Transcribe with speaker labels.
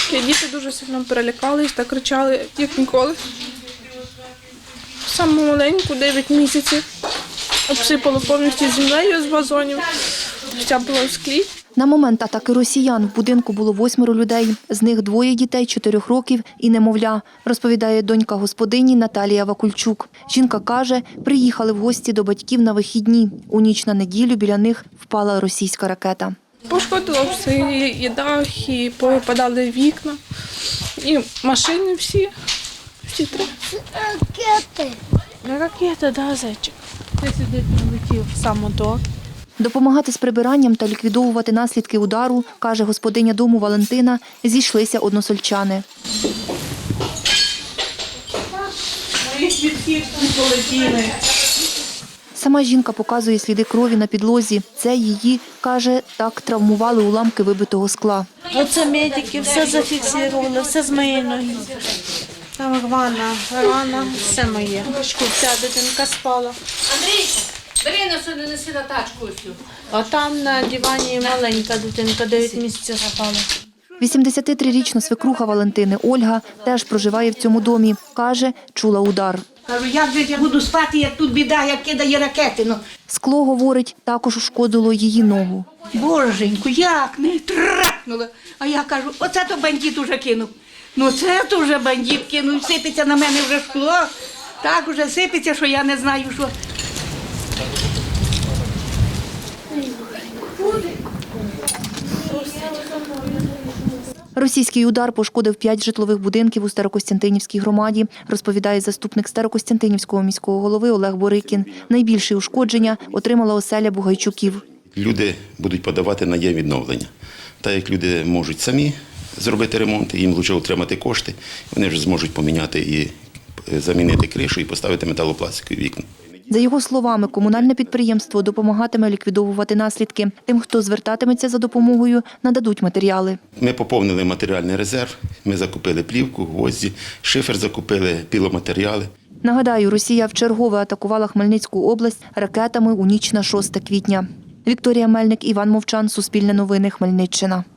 Speaker 1: Діти дуже сильно перелякались та кричали, як ніколи. Саму маленьку, 9 місяців, обсипало повністю землею з вазонів, вся була в склі.
Speaker 2: На момент атаки росіян в будинку було 8 людей. З них 2 дітей 4 років і немовля, розповідає донька господині Наталія Вакульчук. Жінка каже, приїхали в гості до батьків на вихідні. У ніч на неділю біля них впала російська ракета.
Speaker 1: Пошкодило все, і дах, і повипадали вікна, і машини всі три.
Speaker 3: Ракети.
Speaker 1: Ракета, да, зайчик. Ти сюди прилетів в самоток.
Speaker 2: Допомагати з прибиранням та ліквідовувати наслідки удару, каже господиня дому Валентина, зійшлися односельчани. Сама жінка показує сліди крові на підлозі. Це її, каже, так травмували уламки вибитого скла.
Speaker 4: Оце медики, все зафіксували, все з моєї ноги. Там рана, все моє. Вся дитинка спала.
Speaker 5: Андрій, бери неси на тачку.
Speaker 4: А там на дивані маленька дитинка, 9 місяців спала.
Speaker 2: 83-річна свекруха Валентини Ольга теж проживає в цьому домі. Каже, чула удар.
Speaker 6: Кажу, як же я буду спати, як тут біда, як кидає ракети. Ну,
Speaker 2: Скло, говорить, також ушкодило її ногу.
Speaker 6: боженьку, як не трахнуло. А я кажу, оце то бандит уже кинув. Ну це то вже бандит кинув, сипеться на мене вже скло. Так вже сипеться, що я не знаю, що.
Speaker 2: Російський удар пошкодив 5 житлових будинків у Старокостянтинівській громаді, розповідає заступник Старокостянтинівського міського голови Олег Борикін. Найбільші ушкодження отримала оселя Бугайчуків.
Speaker 7: Люди будуть подавати на є-відновлення. Так як люди можуть самі зробити ремонт, їм краще отримати кошти, вони вже зможуть поміняти і замінити кришу і поставити металопластикові вікна.
Speaker 2: За його словами, комунальне підприємство допомагатиме ліквідовувати наслідки. Тим, хто звертатиметься за допомогою, нададуть матеріали.
Speaker 7: Ми поповнили матеріальний резерв, ми закупили плівку, гвозді, шифер закупили, піломатеріали.
Speaker 2: Нагадаю, Росія вчергове атакувала Хмельницьку область ракетами у ніч на 6 квітня. Вікторія Мельник, Іван Мовчан, Суспільне новини, Хмельниччина.